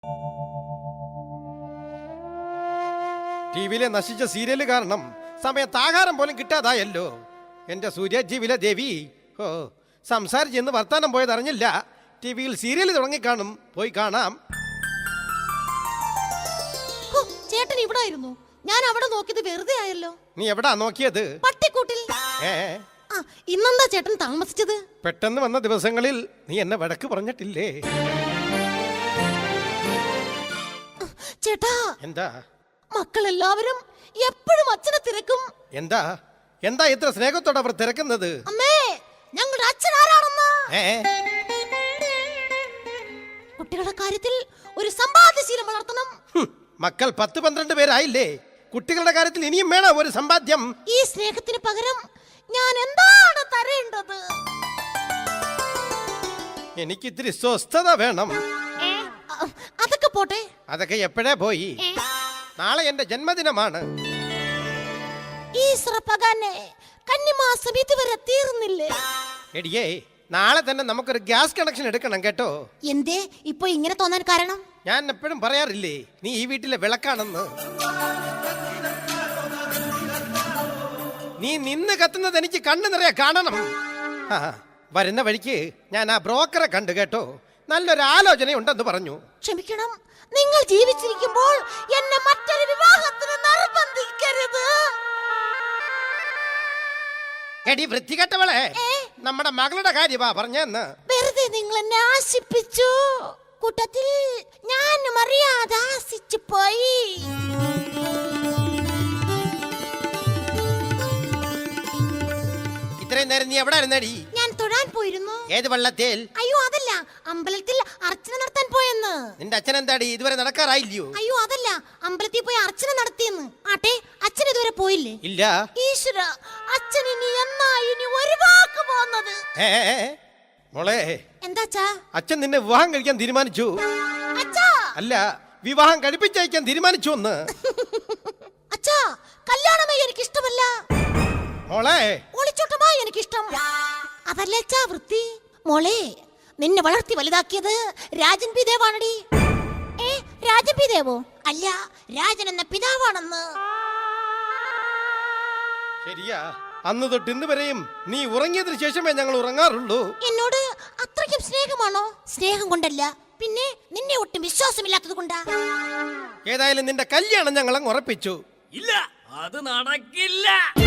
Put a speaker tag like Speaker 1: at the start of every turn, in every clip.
Speaker 1: ടിവിയിലെ നശിച്ച സീരിയല് കാരണം സമയത്ത് ആഹാരം പോലും കിട്ടാതായല്ലോ. എന്റെ സൂര്യജീവിലെ ദേവി, ഓ സംസാരിച്ചെന്ന് വർത്താനം പോയത് അറിഞ്ഞില്ല. ടിവിയിൽ സീരിയൽ തുടങ്ങിക്കാണും, പോയി കാണാം.
Speaker 2: ചേട്ടൻ ഇവിടെ ആയിരുന്നു. ഞാൻ അവിടെ നോക്കിയത് വെറുതെ ആയല്ലോ.
Speaker 1: നീ എവിടാ നോക്കിയത്?
Speaker 2: പട്ടിക്കൂട്ടിൽ. ഇന്നെന്താ ചേട്ടൻ താമസിച്ചത്?
Speaker 1: പെട്ടെന്ന് വന്ന ദിവസങ്ങളിൽ നീ എന്നെ വഴക്ക് പറഞ്ഞിട്ടില്ലേ?
Speaker 2: ചേട്ടാ,
Speaker 1: എന്താ
Speaker 2: മക്കളെല്ലാവരും എപ്പോഴും അച്ഛനെ തിരക്കും.
Speaker 1: എന്താ എന്താ ഇത്ര സ്നേഹത്തോടെ അവർ തിരക്കുന്നത്?
Speaker 2: അമ്മേ, ഞങ്ങളുടെ അച്ഛൻ ആരാണെന്ന്. കുട്ടികളുടെ കാര്യത്തിൽ ഒരു സമ്പാദ്യശീലം വളർത്തണം.
Speaker 1: മക്കൾ 10-12 പേരായില്ലേ? കുട്ടികളുടെ കാര്യത്തിൽ ഇനിയും വേണം ഒരു സമ്പാദ്യം.
Speaker 2: ഈ സ്നേഹത്തിന് പകരം ഞാൻ എന്താണ് തരേണ്ടത്?
Speaker 1: എനിക്ക് ഇത്തിരി സ്വസ്ഥത വേണം.
Speaker 2: അതൊക്കെ പോട്ടെ.
Speaker 1: അതൊക്കെ എപ്പോഴേ പോയി. നാളെ എന്റെ ജന്മദിനമാണ്.
Speaker 2: ഈ സ്രപ്പകാനെ കന്നിമാസം ഇതുവരെ തീർന്നില്ലേ?
Speaker 1: എടിയേ, നാളെ തന്നെ നമുക്കൊരു ഗ്യാസ് കണക്ഷൻ എടുക്കണം കേട്ടോ.
Speaker 2: എന്തേ ഇപ്പൊ ഇങ്ങനെ തോന്നാൻ കാരണം?
Speaker 1: ഞാൻ എപ്പോഴും പറയാറില്ലേ, നീ ഈ വീട്ടിലെ വിളക്കാണെന്ന്. നീ നിന്ന് കത്തുന്നത് എനിക്ക് കണ്ണു നിറയെ കാണണം. വരുന്ന വഴിക്ക് ഞാൻ ആ ബ്രോക്കറെ കണ്ടു കേട്ടോ. നല്ലൊരു ആലോചനയുണ്ടെന്ന് പറഞ്ഞു.
Speaker 2: ക്ഷമിക്കണം, നിങ്ങൾ ജീവിച്ചിരിക്കുമ്പോൾ എന്നെ മറ്റൊരു വിവാഹത്തിന് നിർബന്ധിക്കരുത്.
Speaker 1: എടി വൃത്തികെട്ടവളെ, നമ്മുടെ മകളുടെ കാര്യമാ പറഞ്ഞെന്ന്.
Speaker 2: വെറുതെ നിങ്ങൾ എന്നെ ആശിപ്പിച്ചു. കൂട്ടത്തിൽ ഞാനും അറിയാതെ ആശിച്ചു പോയി.
Speaker 1: ഇത്രയും നേരം നീ എവിടെ ഇരുന്നടി?
Speaker 2: ഞാൻ തൊഴാൻ പോയിരുന്നു.
Speaker 1: ഏത് വള്ളത്തേൽ?
Speaker 2: അയ്യോ അതല്ല, അമ്പലത്തിൽ അർച്ചന നടത്താൻ പോയെന്ന്.
Speaker 1: നിന്റെ അച്ഛൻ എന്താടി ഇതുവരെ നടക്കാറായില്ലയോ?
Speaker 2: അയ്യോ അതല്ല, അമ്പലത്തിൽ പോയി അർച്ചന നടത്തിയെന്ന്. ആട്ടെ, അച്ഛൻ ഇതുവരെ പോയില്ലേ?
Speaker 1: ഇല്ല.
Speaker 2: ഈശ്വര, അച്ഛൻ ഇനി ഇനി ഒരു വാക്ക് പോകുന്നത്.
Speaker 1: മോളെ,
Speaker 2: എന്താച്ചാ?
Speaker 1: അച്ഛൻ നിന്നെ വിവാഹം കഴിക്കാൻ തീരുമാനിച്ചു.
Speaker 2: അച്ഛാ,
Speaker 1: അല്ല, വിവാഹം കഴിപ്പിച്ചയക്കാൻ തീരുമാനിച്ചു എന്ന്.
Speaker 2: അച്ഛാ, കല്യാണമേ എനിക്ക് ഇഷ്ടമല്ല.
Speaker 1: മോളെ,
Speaker 2: ഒളിച്ചോട്ടമായി എനിക്കിഷ്ടം. അതല്ലേ അച്ഛാ വൃത്തി. മോളെ, നിന്നെ വളർത്തി വലുതാക്കിയത് രാജൻ പി ദേവാണടി. രാജൻ പി ദേവോ? അല്ല, രാജൻ എന്ന പിതാവാണെന്ന്.
Speaker 1: ശരിയാ, അന്ന് തൊട്ട് ഇന്ന് വരെയും നീ ഉറങ്ങിയതിനു ശേഷമേ ഞങ്ങൾ ഉറങ്ങാറുള്ളൂ.
Speaker 2: എന്നോട് അത്രയ്ക്കും സ്നേഹമാണോ? സ്നേഹം കൊണ്ടല്ല, പിന്നെ നിന്നെ ഒട്ടും വിശ്വാസമില്ലാത്തത് കൊണ്ടാ.
Speaker 1: ഏതായാലും നിന്റെ കല്യാണം ഞങ്ങൾ അങ്ങ് ഉറപ്പിച്ചു.
Speaker 3: ഇല്ല, അത് നടക്കില്ല.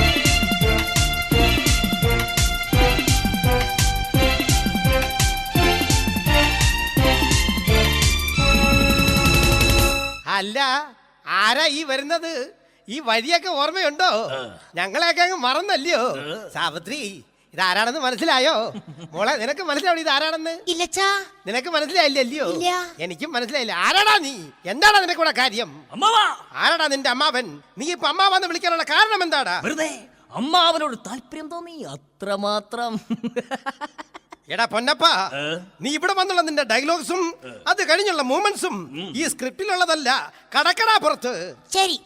Speaker 1: അല്ല, ആരാ ഈ വരുന്നത്? ഈ വഴിയൊക്കെ ഓർമ്മയുണ്ടോ? ഞങ്ങളെയൊക്കെ അങ്ങ് മറന്നല്ലയോ? സാവിത്രി, ഇതാരാണെന്ന് മനസ്സിലായോ? മോളെ, നിനക്ക് മനസ്സിലാവും ഇതാരാണെന്ന്?
Speaker 2: ഇല്ലച്ചാ.
Speaker 1: നിനക്ക് മനസ്സിലായില്ലല്ലോ? എനിക്കും മനസ്സിലായില്ല. ആരാടാ നീ? എന്താടാ നിനക്കൂടെ കാര്യം? ആരാടാ നിന്റെ അമ്മാവൻ? നീ ഇപ്പൊ അമ്മാവെന്ന് വിളിക്കാനുള്ള കാരണം എന്താടാ?
Speaker 3: വെറുതെ അമ്മാവനോട് താല്പര്യം തോന്നി, അത്രമാത്രം.
Speaker 1: എടാ പൊന്നപ്പ, നീ ഇവിടെ വന്നുള്ള നിന്റെ ഡയലോഗ്സും അത് കഴിഞ്ഞുള്ള മൂമെന്റ്സും ഈ സ്ക്രിപ്റ്റിലുള്ളതല്ല, കടക്കടാ പുറത്ത്.
Speaker 2: ശരി,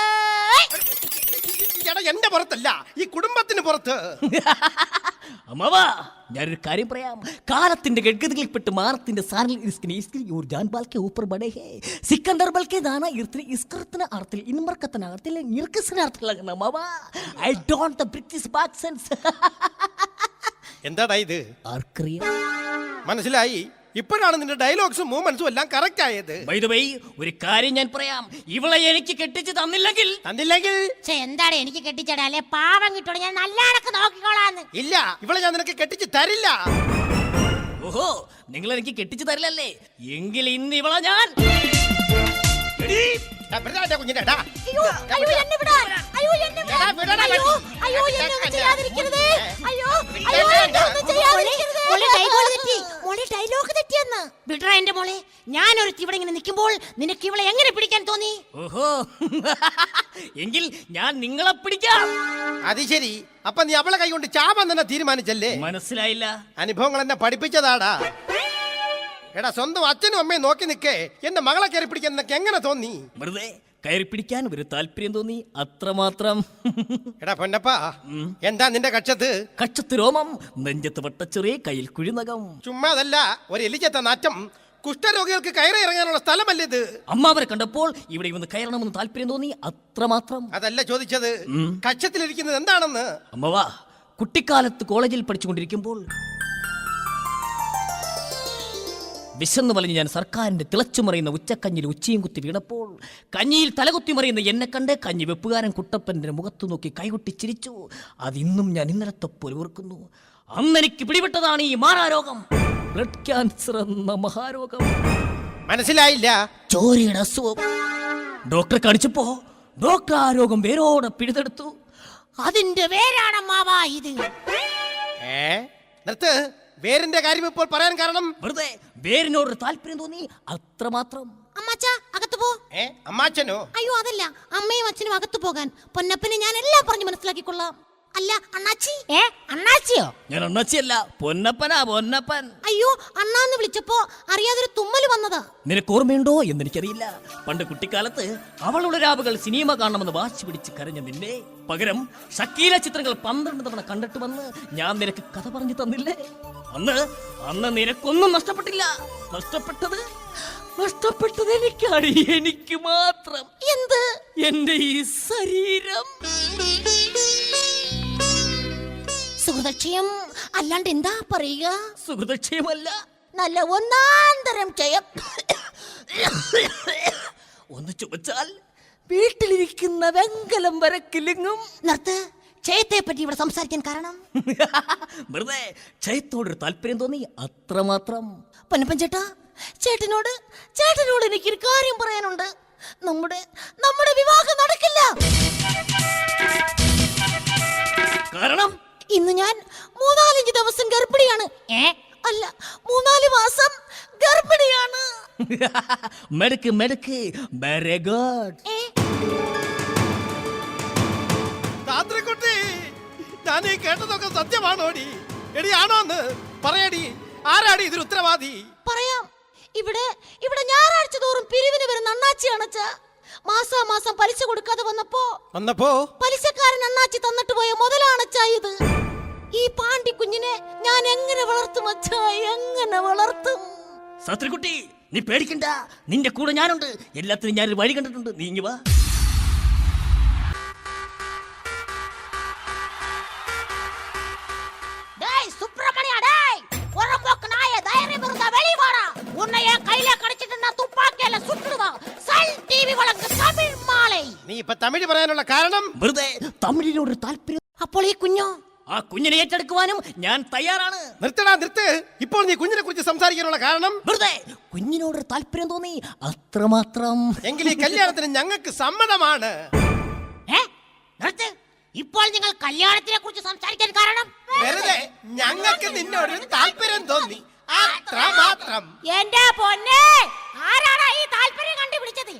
Speaker 1: എടാ എന്റെ പുറത്തല്ല, ഈ കുടുംബത്തിന് പുറത്ത്.
Speaker 3: അമ്മാവാ, ഞാനൊരു കാര്യം പറയാം. കാലത്തിന്റെ ഗഡ്ഗതികളിൽപ്പെട്ട് മാനത്തിന്റെ സാരൽ സിക്കന്ദർ ബൽക്കെ ദാന ഇർത്തിനെ ഇസ്കർത്തന അർത്ഥത്തിൽ ഇൻമർക്കത്തന അർത്ഥത്തിൽ നിർക്കസന അർത്ഥത്തിലാകണം അമ്മാവാ. I don't the British accents.
Speaker 1: എന്താടാ ഇത്?
Speaker 3: ആർക്കറിയാം?
Speaker 1: മനസ്സിലായി. ഇപ്പോഴാണ് നിന്റെ ഡയലോഗ്സും മൂവ്മെന്റ്സും എല്ലാം കറക്റ്റ് ആയത്.
Speaker 3: ബൈ ദ വേ, ഒരു കാര്യം ഞാൻ പറയാം. ഇവളെ എനിക്ക് കെട്ടിച്ച് തന്നില്ലെങ്കിൽ
Speaker 2: എന്താണ് എനിക്ക് കെട്ടിച്ചടാ? അല്ലെ പാവം കിട്ടോളൂ, ഞാൻ നല്ലടക്ക് നോക്കിക്കോളാന്ന്.
Speaker 1: ഇല്ല, ഇവളെ ഞാൻ നിനക്ക് കെട്ടിച്ച് തരില്ല.
Speaker 3: ഓഹോ, നിങ്ങൾ എനിക്ക് കെട്ടിച്ച് തരില്ലല്ലേ? എങ്കിൽ ഇന്ന് ഇവളെ ഞാൻ
Speaker 2: എന്റെ മോളെ, ഞാനൊരു ഇവിടെ ഇങ്ങനെ നിൽക്കുമ്പോൾ നിനക്ക് ഇവളെ എങ്ങനെ പിടിക്കാൻ തോന്നി?
Speaker 3: ഓഹോ, എങ്കിൽ ഞാൻ നിങ്ങളെ പിടിക്കാം.
Speaker 1: അത് ശരി. അപ്പൊ നീ അവളെ കൈ കൊണ്ട് ചാവാൻ തന്നെ തീരുമാനിച്ചല്ലേ?
Speaker 3: മനസ്സിലായില്ല.
Speaker 1: അനുഭവങ്ങൾ എന്നെ പഠിപ്പിച്ചതാടാ. എടാ, സ്വന്തം അച്ഛനും അമ്മയും നോക്കി നിൽക്കേ എന്റെ മകളെ കയറി പിടിക്കാൻ നിനക്ക് എങ്ങനെ തോന്നി?
Speaker 3: വെറുതെ കയറി പിടിക്കാൻ ഒരു താല്പര്യം തോന്നി, അത്രമാത്രം.
Speaker 1: എടാ പൊന്നപ്പ, എന്താ നിന്റെ കക്ഷത്ത്?
Speaker 3: കക്ഷത്ത് രോമം, നെഞ്ചത്ത് വട്ടച്ചെറിയ, കയ്യിൽ കുഴിനകം.
Speaker 1: ചുമ്മാതല്ല, ഒരു എലിച്ചത്ത നാറ്റം. കുഷ്ഠരോഗികൾക്ക് കയറി ഇറങ്ങാനുള്ള സ്ഥലമല്ലേ ഇത്?
Speaker 3: അമ്മാവരെ കണ്ടപ്പോൾ ഇവിടെ ഇവന്ന് കയറണമെന്ന് താല്പര്യം തോന്നി, അത്രമാത്രം.
Speaker 1: അതല്ല ചോദിച്ചത്, കക്ഷത്തിലിരിക്കുന്നത് എന്താണെന്ന്.
Speaker 3: അമ്മവാ, കുട്ടിക്കാലത്ത് കോളേജിൽ പഠിച്ചുകൊണ്ടിരിക്കുമ്പോൾ വിശന്നു വലിഞ്ഞ് ഞാൻ സർക്കാരിന്റെ തിളച്ചുമറിയുന്ന ഉച്ചക്കഞ്ഞിൽ ഉച്ചയും കുത്തി വീണപ്പോൾ കഞ്ഞിയിൽ തലകുത്തി മറിയുന്ന എന്നെ കണ്ട് കഞ്ഞി വെപ്പുകാരൻ കുട്ടപ്പന്റെ മുഖത്തു നോക്കി കൈകൊട്ടി ചിരിച്ചു. അതിന്നും ഞാൻ ഇന്നലത്തെ പോലെ ഓർക്കുന്നു. അന്ന് എനിക്ക് പിടിപെട്ടതാണ് ഈ മാറാരോഗം, ബ്ലഡ് ക്യാൻസർ എന്ന മഹാരോഗം.
Speaker 1: മനസ്സിലായില്ല.
Speaker 3: ചോരയുടെ അസുഖം. ഡോക്ടറെ കാണിച്ചപ്പോ ഡോക്ടർ ആ രോഗം വേരോടെ പിഴുതെടുത്തു.
Speaker 2: അതിന്റെ വേരാണമ്മാവാ ഇത്.
Speaker 1: നിർത്ത്. വേരിന്റെ കാര്യം ഇപ്പോൾ പറയാൻ കാരണം
Speaker 3: വെറുതെ വേരിനോട് താല്പര്യം തോന്നി, അത്രമാത്രം.
Speaker 2: അമ്മാച്ച അകത്ത് പോ.
Speaker 1: അമ്മാച്ചനോ?
Speaker 2: അയ്യോ അതല്ല, അമ്മയും അച്ഛനും അകത്ത് പോകാൻ. പൊന്നപ്പനെ ഞാൻ എല്ലാം പറഞ്ഞു മനസ്സിലാക്കിക്കൊള്ളാം. അല്ല അണ്ണാച്ചി. അണ്ണാച്ചിയോ?
Speaker 3: ഞാൻ അണ്ണാച്ചിയല്ല, പൊന്നപ്പനാ, പൊന്നപ്പൻ.
Speaker 2: അയ്യോ, അണ്ണാന്ന് വിളിച്ചപ്പോ അറിയാതൊരു തുമ്മല് വന്നതാ.
Speaker 3: നിനക്ക് ഓർമ്മയുണ്ടോ എന്നെനിക്കറിയില്ല. പണ്ട് കുട്ടിക്കാലത്ത് അവളുടെ രാവുകൾ സിനിമ കാണണമെന്ന് വാശി പിടിച്ച് കരഞ്ഞ നിന്നെ പകരം ഷക്കീല ചിത്രങ്ങൾ 12 തവണ കണ്ടിട്ട് വന്ന് ഞാൻ നിനക്ക് കഥ പറഞ്ഞു തന്നില്ലേ? അന്ന് നിനക്കൊന്നും നഷ്ടപ്പെട്ടില്ല. നഷ്ടപ്പെട്ടത് എനിക്കാണ്, എനിക്ക് മാത്രം.
Speaker 2: എന്ത്?
Speaker 3: എന്റെ ഈ ശരീരം.
Speaker 2: സുഹൃതക്ഷയം അല്ലാണ്ട് എന്താ പറയുക?
Speaker 3: സുഹൃതക്ഷയമല്ല,
Speaker 2: നല്ല ഒന്നാന്തരം ക്ഷയം.
Speaker 3: ഒന്ന് ചുമച്ചാൽ വീട്ടിലിരിക്കുന്ന വെങ്കലം വരെ കിലുങ്ങും.
Speaker 2: നിർത്ത്. ക്ഷയത്തെ പറ്റി ഇവിടെ സംസാരിക്കാൻ കാരണം
Speaker 3: വെറുതെ ക്ഷയത്തോടൊരു താല്പര്യം തോന്നി, അത്രമാത്രം.
Speaker 2: പൊന്നപ്പൻ ചേട്ടാ, ചേട്ടനോട് എനിക്കൊരു കാര്യം പറയാനുണ്ട്. നമ്മുടെ വിവാഹം നടക്കില്ല.
Speaker 3: കാരണം
Speaker 2: ഇന്ന് ഞാൻ 3-4 ദിവസം ഗർഭിണിയാണ്. അല്ല, 3-4 മാസം ഗർഭിണിയാണ്.
Speaker 3: മെടുക്ക് വെരി ഗുഡ്.
Speaker 1: താന്ത്രിക്കുട്ടി, ഞാൻ ഈ കേട്ടതൊക്കെ സത്യമാണോടി? എടി ആണോന്ന് പറയടി. ആരാടി ഇതിന് ഉത്തരവാദി?
Speaker 2: പറയാം. ഇവിടെ ഞായറാഴ്ച തോറും പിരിവിന് വരുന്ന അണ്ണാച്ചിയാണ് അച്ഛാ. മാസാമാസം പലിശ കൊടുക്കാതെ വന്നപ്പോ പലിശക്കാരൻ അണ്ണാച്ചി തന്നിട്ട് പോയ മുതലാണച്ചാ ഇത്. ഈ പാണ്ടി കുഞ്ഞിനെ ഞാൻ എങ്ങനെ വളർത്തും അച്ഛാ, എങ്ങനെ വളർത്തും?
Speaker 3: സത്രിക്കുട്ടി, നീ പേടിക്കണ്ട, നിന്റെ കൂടെ ഞാനുണ്ട്. എല്ലാത്തിനും ഞാനൊരു വഴി കണ്ടിട്ടുണ്ട്. നീ ഇങ്ങ് വാ.
Speaker 1: നീ ഇപ്പൊ തമിഴ് പറയാനുള്ള കാരണം?
Speaker 3: വെറുതെ തമിഴിനോട് താല്പര്യം.
Speaker 2: അപ്പോൾ ഈ കുഞ്ഞോ?
Speaker 3: ആ കുഞ്ഞിനെ ഏറ്റെടുക്കുവാനും ഞാൻ തയ്യാറാണ്.
Speaker 1: നിർത്ത്. ഇപ്പോൾ നീ കുഞ്ഞിനെ കുറിച്ച് സംസാരിക്കാനുള്ള കാരണം?
Speaker 3: വെറുതെ കുഞ്ഞിനോട് താല്പര്യം തോന്നി, അത്രമാത്രം.
Speaker 1: എങ്കിൽ ഈ കല്യാണത്തിന് ഞങ്ങൾക്ക് സമ്മതമാണ്.
Speaker 2: ഇപ്പോൾ നിങ്ങൾ കല്യാണത്തിനെ കുറിച്ച് സംസാരിക്കാൻ കാരണം?
Speaker 1: വെറുതെ ഞങ്ങൾക്ക് നിന്നോട് താല്പര്യം തോന്നി, അത്രമാത്രം.
Speaker 2: എന്റെ പൊന്നെ, ആരാണ് ഈ താല്പര്യം കണ്ടുപിടിച്ചത്?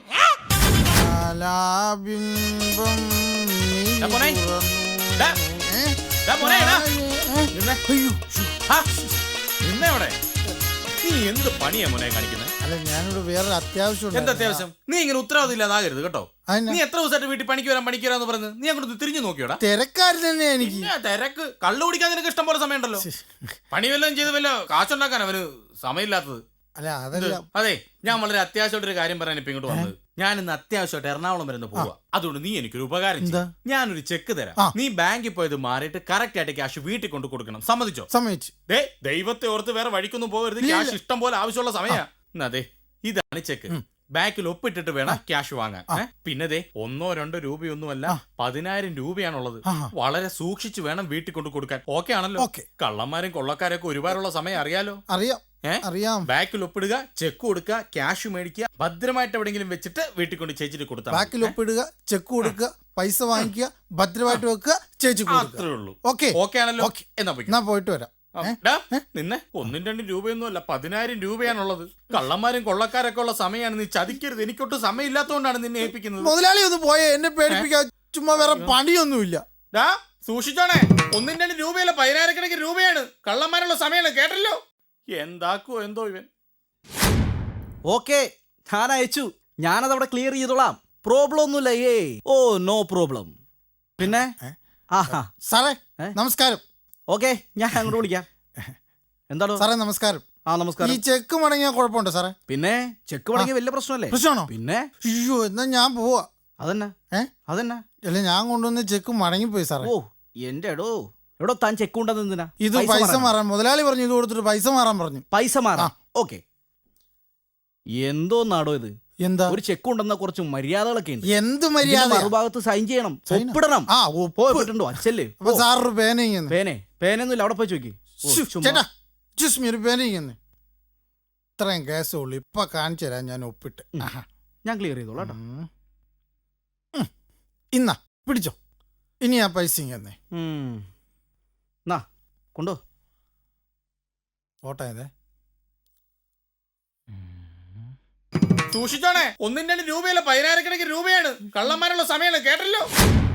Speaker 4: നീ എന്ത് പണിയാ മോനെ കാണിക്കുന്നത്?
Speaker 5: അല്ല, ഞാനിവിടെ വേറെ അത്യാവശ്യം.
Speaker 4: എന്താ അത്യാവശ്യം? നീ ഇങ്ങനെ ഉത്തരവാദിത്തം ഇല്ലാതാകരുത് കേട്ടോ. നീ എത്ര ദിവസമായിട്ട് വീട്ടിൽ പണിക്ക് വരാന്ന് പറഞ്ഞ് നീ അങ്ങോട്ട് തിരിഞ്ഞു നോക്കിയോടാ?
Speaker 5: തിരക്കാര് തന്നെ എനിക്ക്.
Speaker 4: തിരക്ക് കള്ളു കുടിക്കാൻ നിനക്ക് ഇഷ്ടം പോലെ സമയം ഉണ്ടല്ലോ. പണി വല്ലതും ചെയ്ത് വല്ല കാശുണ്ടാക്കാൻ അവന് സമയമില്ലാത്തത്.
Speaker 5: അല്ല അതല്ല.
Speaker 4: അതെ, ഞാൻ വളരെ അത്യാവശ്യമായിട്ടൊരു കാര്യം പറയാൻ ഇപ്പൊ ഇങ്ങോട്ട് വന്നത്. ഞാൻ ഇന്ന് അത്യാവശ്യമായിട്ട് എറണാകുളം വരെ പോവാ. അതുകൊണ്ട് നീ എനിക്കൊരു ഉപകാരം ചെയ്യ്. ഞാനൊരു ചെക്ക് തരാം. നീ ബാങ്കിൽ പോയത് മാറിയിട്ട് കറക്റ്റ് ആയിട്ട് ക്യാഷ് വീട്ടിൽ കൊണ്ട് കൊടുക്കണം. സമ്മതിച്ചോ?
Speaker 5: സമ്മതിച്ചു.
Speaker 4: ദൈവത്തെ ഓർത്ത് വേറെ വഴിക്കൊന്നും പോകരുത്. ക്യാഷ് ഇഷ്ടം പോലെ ആവശ്യമുള്ള സമയാ. അതെ, ഇതാണ് ചെക്ക്. ബാങ്കിൽ ഒപ്പിട്ടിട്ട് വേണം ക്യാഷ് വാങ്ങാൻ. പിന്നെ 1-2 രൂപയൊന്നുമല്ല, 10,000 രൂപയാണുള്ളത്. വളരെ സൂക്ഷിച്ചു വേണം വീട്ടിൽ കൊണ്ട് കൊടുക്കാൻ. ഓക്കെ ആണല്ലോ? കള്ളന്മാരും കൊള്ളക്കാരൊക്കെ ഒരുപാടുള്ള സമയം അറിയാലോ.
Speaker 5: അറിയാം.
Speaker 4: ബാക്കിൽ ഒപ്പിടുക, ചെക്ക് കൊടുക്കുക, ക്യാഷ് മേടിക്കുക, ഭദ്രമായിട്ട് എവിടെയെങ്കിലും വെച്ചിട്ട് വീട്ടിൽ കൊണ്ട് ചേച്ചിട്ട് കൊടുത്താൽ.
Speaker 5: ബാക്കിൽ ഒപ്പിടുക, ചെക്ക് കൊടുക്കുക, പൈസ വാങ്ങിക്കുക, ഭദ്രമായിട്ട് വെക്കുക, ചേച്ചി കൊടുക്കുക.
Speaker 4: അത്രേ ഉള്ളൂ.
Speaker 5: ഓക്കെ
Speaker 4: ആണല്ലോ?
Speaker 5: എന്നാ പോയിട്ട് വരാം.
Speaker 4: നിന്നെ 1-2 രൂപയൊന്നുമല്ല, 10,000 രൂപയാണുള്ളത്. കള്ളന്മാരും കൊള്ളക്കാരൊക്കെ ഉള്ള സമയമാണ്. നീ ചതിക്കരുത്. എനിക്കൊട്ട് സമയം ഇല്ലാത്തതുകൊണ്ടാണ് നിന്നെ ഏൽപ്പിക്കുന്നത്.
Speaker 5: മുതലാളി ഒന്ന് പോയേ, എന്നെ പേടിപ്പിക്കാൻ. ചുമ്മാ വേറെ പണിയൊന്നുമില്ല.
Speaker 4: സൂക്ഷിച്ചോണേ. 1-2 രൂപയല്ല, 10,000 രൂപയാണ്. കള്ളന്മാരുള്ള സമയമാണ്. കേട്ടല്ലോ? എന്താക്കോ എന്തോ ഇവൻ.
Speaker 6: ഓക്കെ, ഞാൻ അയച്ചു. ഞാനതവിടെ ക്ലിയർ ചെയ്തോളാം. പ്രോബ്ലം ഒന്നുമില്ല. No problem. പിന്നെ
Speaker 5: സാറേ നമസ്കാരം.
Speaker 6: ഓക്കെ, ഞാൻ അങ്ങോട്ട് വിളിക്കാം. എന്താണോ
Speaker 5: സാറേ നമസ്കാരം.
Speaker 6: ആ
Speaker 5: ഈ
Speaker 6: നമസ്കാരം.
Speaker 5: ചെക്ക് മടങ്ങിയാ കുഴപ്പമുണ്ടോ സാറേ?
Speaker 6: പിന്നെ ചെക്ക് മടങ്ങിയ വലിയ പ്രശ്നമല്ലേ?
Speaker 5: പ്രശ്നമാണോ?
Speaker 6: പിന്നെ
Speaker 5: അയ്യോ എന്നാ ഞാൻ പോവാ.
Speaker 6: അതന്നെ അതന്നെ.
Speaker 5: അല്ല ഞാൻ കൊണ്ടുവന്ന് ചെക്ക് മടങ്ങിപ്പോയി സാറേ.
Speaker 6: ഓ എന്റെ എടോ താൻ ചെക്ക് കൊണ്ടുവന്നത് എന്തിനാ?
Speaker 5: ഇത് പൈസ മാറാൻ മുതലാളി പറഞ്ഞു, ഇത് കൊടുത്തിട്ട് പൈസ മാറാൻ പറഞ്ഞു.
Speaker 6: പൈസ മാറാം. ഓക്കെ. എന്തോ നാടോ ഇത്?
Speaker 5: എന്താ
Speaker 6: ഒരു ചെക്ക് ഉണ്ടെന്ന കുറച്ച് മര്യാദകളൊക്കെ ഉണ്ട്.
Speaker 5: എന്ത് മര്യാദ?
Speaker 6: മറുഭാഗത്ത് സൈൻ ചെയ്യണം, ഒപ്പിടണം.
Speaker 5: ആ
Speaker 6: പോയിട്ടുണ്ടോ അച്ഛല്ലേ?
Speaker 5: അപ്പൊ സാറൊരു പേന
Speaker 6: പേനൊന്നുമില്ല, അവിടെ പോയി ചോദിക്കും.
Speaker 5: ചേട്ടാ ചുസ്മി ഒരു പേന ഇത്രയും കേസേ ഉള്ളു, ഇപ്പൊ കാണിച്ചു തരാം ഞാൻ ഒപ്പിട്ട്.
Speaker 6: ഞാൻ ക്ലിയർ ചെയ്തോളാം കേട്ടോ.
Speaker 5: ഇന്നാ പിടിച്ചോ, ഇനി ആ പൈസ ഇങ്ങനെ
Speaker 6: കൊണ്ടോ
Speaker 5: ഓട്ടായതേ.
Speaker 4: സൂക്ഷിച്ചോണേ, 1-2 രൂപയല്ല 10,000 രൂപയാണ്. കള്ളന്മാരുള്ള സമയമാണ്, കേട്ടല്ലോ.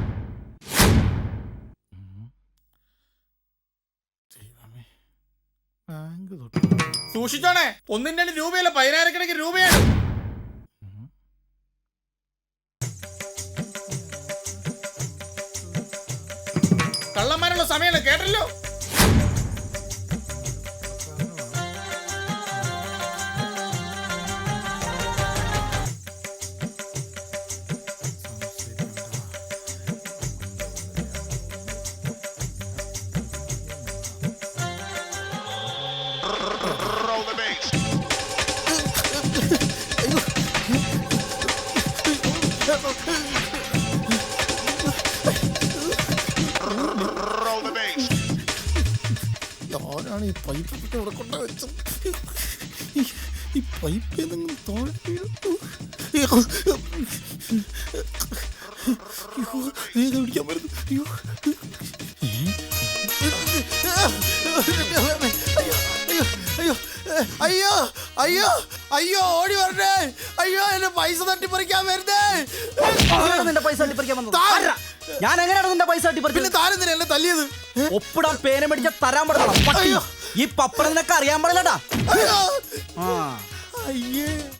Speaker 4: സൂക്ഷിച്ചോണേ, 1-2 രൂപയല്ല 10,000 രൂപയാണ്. കള്ളന്മാരുള്ള സമയമാണ്, കേട്ടല്ലോ.
Speaker 5: ഞാനാണ് ഈ പൈപ്പ് ഇവിടെ കൊണ്ട വെച്ചത്. ഈ പൈപ്പ് ഏതെങ്കിലും തോഴ പിടിക്കാൻ പറ്റുന്നു. അയ്യോ അയ്യോ അയ്യോ ഓടി വരണേ. അയ്യോ എന്റെ പൈസ തട്ടിപ്പറിക്കാൻ വരുന്നേ.
Speaker 6: നിന്റെ പൈസ തട്ടിപ്പറിക്കാൻ വന്നത് ഞാൻ എങ്ങനെയാണ് നിന്റെ പൈസ തട്ടിപ്പറിച്ചത്?
Speaker 5: പിന്നെ താനെന്തിനാ എന്നെ തല്ലിയത്?
Speaker 6: ഒപ്പിടാൻ പേന മേടിച്ച തരാൻ പറ്റണം. ഈ പപ്പടം നിനക്ക് അറിയാൻ പാടില്ലടാ.
Speaker 5: അയ്യേ